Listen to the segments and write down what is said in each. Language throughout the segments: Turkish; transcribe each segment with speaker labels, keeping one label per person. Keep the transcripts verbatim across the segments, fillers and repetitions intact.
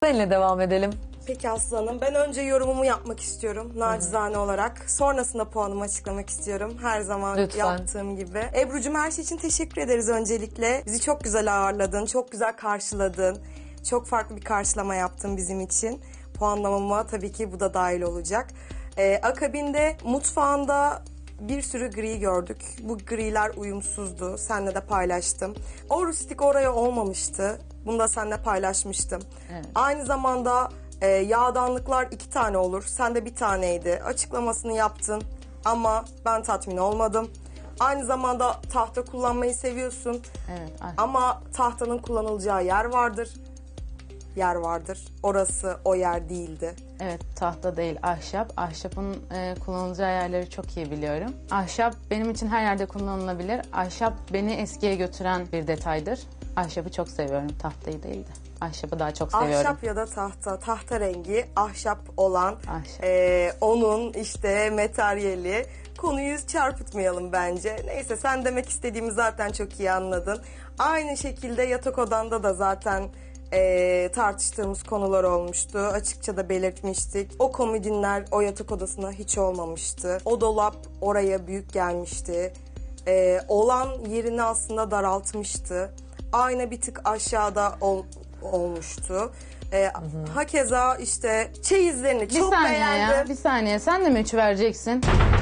Speaker 1: Seninle devam edelim.
Speaker 2: Peki Aslı Hanım, ben önce yorumumu yapmak istiyorum nacizane olarak. Sonrasında puanımı açıklamak istiyorum. Her zaman
Speaker 1: Lütfen.
Speaker 2: yaptığım gibi. Ebru'cum, her şey için teşekkür ederiz öncelikle. Bizi çok güzel ağırladın, çok güzel karşıladın. Çok farklı bir karşılama yaptın bizim için. Puanlamama tabii ki bu da dahil olacak. Ee, akabinde mutfağında bir sürü gri gördük. Bu griler uyumsuzdu. Seninle de paylaştım. O rustik oraya olmamıştı. Bunu da seninle paylaşmıştım.
Speaker 1: Evet.
Speaker 2: Aynı zamanda e, yağdanlıklar iki tane olur. Sende bir taneydi. Açıklamasını yaptın ama ben tatmin olmadım. Aynı zamanda tahta kullanmayı seviyorsun.
Speaker 1: Evet. Ay.
Speaker 2: Ama tahtanın kullanılacağı yer vardır. Yer vardır. Orası o yer değildi.
Speaker 1: Evet, tahta değil, ahşap. Ahşapın e, kullanılacağı yerleri çok iyi biliyorum. Ahşap benim için her yerde kullanılabilir. Ahşap beni eskiye götüren bir detaydır. Ahşabı çok seviyorum, tahtayı değil de. Ahşabı daha çok seviyorum.
Speaker 2: Ahşap ya da tahta, tahta rengi ahşap olan
Speaker 1: Ahşap.
Speaker 2: e, onun işte materyali. Konuyu çarpıtmayalım bence. Neyse, sen demek istediğimi zaten çok iyi anladın. Aynı şekilde yatak odanda da zaten e, tartıştığımız konular olmuştu. Açıkça da belirtmiştik. O komodinler o yatak odasına hiç olmamıştı. O dolap oraya büyük gelmişti. E, olan yerini aslında daraltmıştı. Ayna bir tık aşağıda ol, olmuştu. E, hakeza işte çeyizlerini
Speaker 1: Bir
Speaker 2: çok
Speaker 1: saniye
Speaker 2: beğendim.
Speaker 1: ya, bir saniye. Sen de mi üç vereceksin?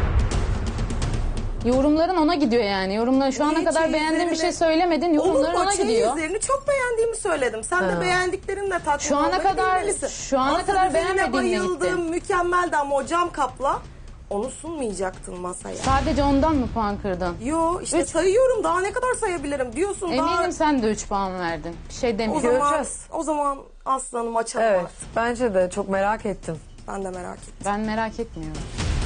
Speaker 1: Yorumların ona gidiyor yani. Yorumlar şu ana
Speaker 2: Niye
Speaker 1: kadar beğendiğin bir şey
Speaker 2: çeyizlerini-
Speaker 1: söylemedin. Yorumların
Speaker 2: Olur mu?
Speaker 1: ona gidiyor.
Speaker 2: Çeyizlerini çok beğendiğimi söyledim. Sen de beğendiklerinle tatmin
Speaker 1: Şu ana
Speaker 2: olmayı
Speaker 1: kadar-
Speaker 2: bilmelisin.
Speaker 1: şu ana
Speaker 2: Masa
Speaker 1: kadar
Speaker 2: düzenine
Speaker 1: beğenmediğinle
Speaker 2: bayıldım,
Speaker 1: gittin.
Speaker 2: mükemmeldi ama o cam kapla onu sunmayacaktın masaya.
Speaker 1: Sadece ondan mı puan kırdın?
Speaker 2: Yo işte
Speaker 1: Üç.
Speaker 2: sayıyorum, daha ne kadar sayabilirim diyorsun.
Speaker 1: Eminim
Speaker 2: daha...
Speaker 1: sen de üç puan verdin. Bir şey
Speaker 2: O
Speaker 1: demiyorum.
Speaker 2: zaman,
Speaker 3: Göreceğiz.
Speaker 2: o zaman aslanım açalım
Speaker 3: Evet,
Speaker 2: artık.
Speaker 3: bence de çok merak ettim.
Speaker 2: Ben de merak ettim.
Speaker 1: Ben merak etmiyorum.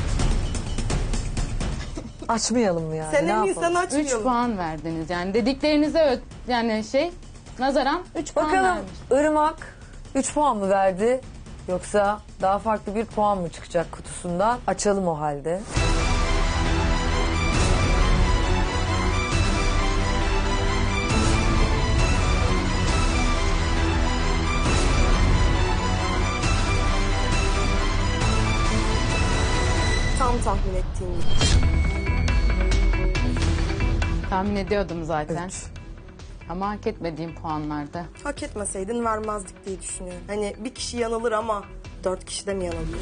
Speaker 3: Açmayalım mı yani?
Speaker 2: Sen
Speaker 3: ne
Speaker 2: emin, sen
Speaker 3: yapalım?
Speaker 1: üç
Speaker 2: açmayalım.
Speaker 1: puan verdiniz. Yani dediklerinize ö- yani şey nazaran üç puan
Speaker 3: Bakalım
Speaker 1: vermiş.
Speaker 3: Irmak üç puan mı verdi yoksa daha farklı bir puan mı çıkacak kutusundan? Açalım o halde.
Speaker 2: Tam tahmin ettiğim gibi.
Speaker 1: Tahmin ediyordum zaten.
Speaker 3: Üç.
Speaker 1: Ama hak etmediğim puanlarda.
Speaker 2: Hak etmeseydin vermezdik diye düşünüyorum. Hani bir kişi yanılır ama dört kişi de mi yanılıyor?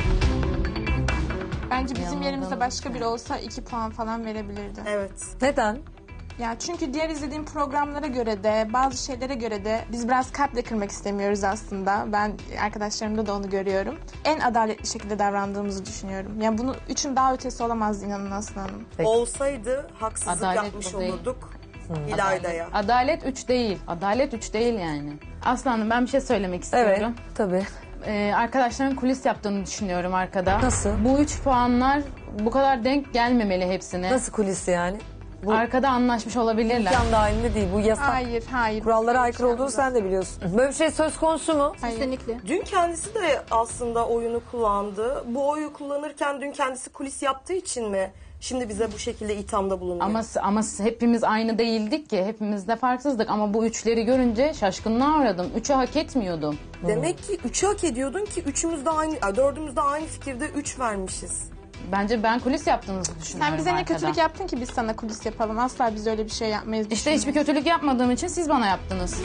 Speaker 4: Bence bizim
Speaker 1: Yanıldım.
Speaker 4: yerimizde başka biri olsa iki puan falan verebilirdi.
Speaker 2: Evet.
Speaker 3: Neden?
Speaker 4: Ya çünkü diğer izlediğim programlara göre de bazı şeylere göre de biz biraz kalple kırmak istemiyoruz aslında. Ben arkadaşlarımda da onu görüyorum. En adaletli şekilde davrandığımızı düşünüyorum. Yani bunun üçün daha ötesi olamaz inanın Aslı Hanım.
Speaker 3: Peki.
Speaker 2: Olsaydı haksızlık
Speaker 1: Adalet
Speaker 2: yapmış
Speaker 1: bu değil.
Speaker 2: olurduk İlayda'ya.
Speaker 1: Adalet üç değil. Adalet üç değil yani. Aslanım, ben bir şey söylemek
Speaker 3: Evet,
Speaker 1: istiyorum.
Speaker 3: tabii.
Speaker 1: Ee, arkadaşların kulis yaptığını düşünüyorum arkada.
Speaker 3: Nasıl?
Speaker 1: Bu üç puanlar bu kadar denk gelmemeli hepsine.
Speaker 3: Nasıl kulis yani? Bu
Speaker 1: Arkada anlaşmış olabilirler.
Speaker 3: imkan dahilinde değil, bu yasak.
Speaker 4: Hayır, hayır.
Speaker 3: Kurallara
Speaker 4: Böyle bir
Speaker 3: aykırı
Speaker 4: şey
Speaker 3: olduğunu
Speaker 4: yapmaz.
Speaker 3: sen de biliyorsun. Böyle bir şey söz konusu mu?
Speaker 4: Hayır.
Speaker 5: Kesinlikle.
Speaker 2: Dün kendisi de aslında oyunu kullandı. Bu oyu kullanırken dün kendisi kulis yaptığı için mi şimdi bize bu şekilde ithamda bulunuyor?
Speaker 1: Ama ama hepimiz aynı değildik ki. Hepimiz de farksızdık. Ama bu üçleri görünce şaşkınlığa uğradım. Üçü hak etmiyordum.
Speaker 2: Demek ki üçü hak ediyordun ki üçümüz de aynı, ay, dördümüz de aynı fikirde üç vermişiz.
Speaker 1: Bence ben kulis yaptığınızı düşünüyorum
Speaker 4: Sen bize ne
Speaker 1: arkada.
Speaker 4: kötülük yaptın ki biz sana kulis yapalım. Asla biz öyle bir şey yapmayız.
Speaker 1: İşte hiçbir kötülük yapmadığım için siz bana yaptınız.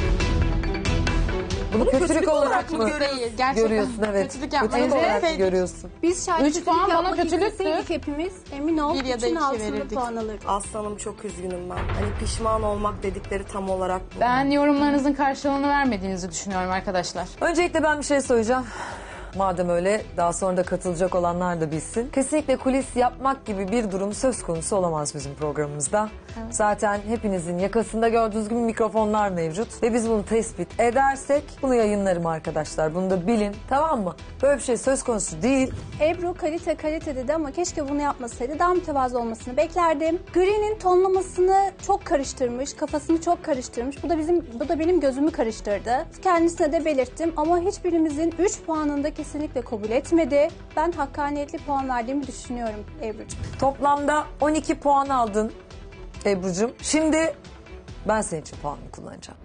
Speaker 3: Bunu kötülük, olarak mı
Speaker 2: görüyorsun?
Speaker 4: Değil, gerçekten
Speaker 3: görüyorsun? Evet.
Speaker 4: kötülük yapmanın
Speaker 3: Kötülük olarak mı
Speaker 4: evet.
Speaker 3: görüyorsun?
Speaker 5: Biz şayet
Speaker 1: Üç
Speaker 5: kötülük
Speaker 1: puan bana
Speaker 5: yapmak
Speaker 1: kötülüktü.
Speaker 5: isteseydik hepimiz emin ol
Speaker 4: Bir ya da
Speaker 5: üçün
Speaker 4: iki
Speaker 5: altında
Speaker 4: verirdik.
Speaker 5: puan alırdık.
Speaker 2: Aslanım, çok üzgünüm ben. Hani pişman olmak dedikleri tam olarak bu.
Speaker 1: Ben yorumlarınızın karşılığını vermediğinizi düşünüyorum arkadaşlar.
Speaker 3: Öncelikle ben bir şey söyleyeceğim. Madem öyle, daha sonra da katılacak olanlar da bilsin. Kesinlikle kulis yapmak gibi bir durum söz konusu olamaz bizim programımızda. Zaten hepinizin yakasında gördüğünüz gibi mikrofonlar mevcut. Ve biz bunu tespit edersek bunu yayınlarım arkadaşlar. Bunu da bilin, tamam mı? Böyle bir şey söz konusu değil.
Speaker 5: Ebru kalite kalite dedi ama keşke bunu yapmasaydı. Daha mütevazı olmasını beklerdim. Gri'nin tonlamasını çok karıştırmış, kafasını çok karıştırmış. Bu da bizim, bu da benim gözümü karıştırdı. Kendisine de belirttim ama hiçbirimizin üç puanında kesinlikle kabul etmedi. Ben hakkaniyetli puan verdiğimi düşünüyorum Ebru'cum.
Speaker 3: Toplamda on iki puan aldın Ebru'cum. Şimdi ben senin için puanını kullanacağım.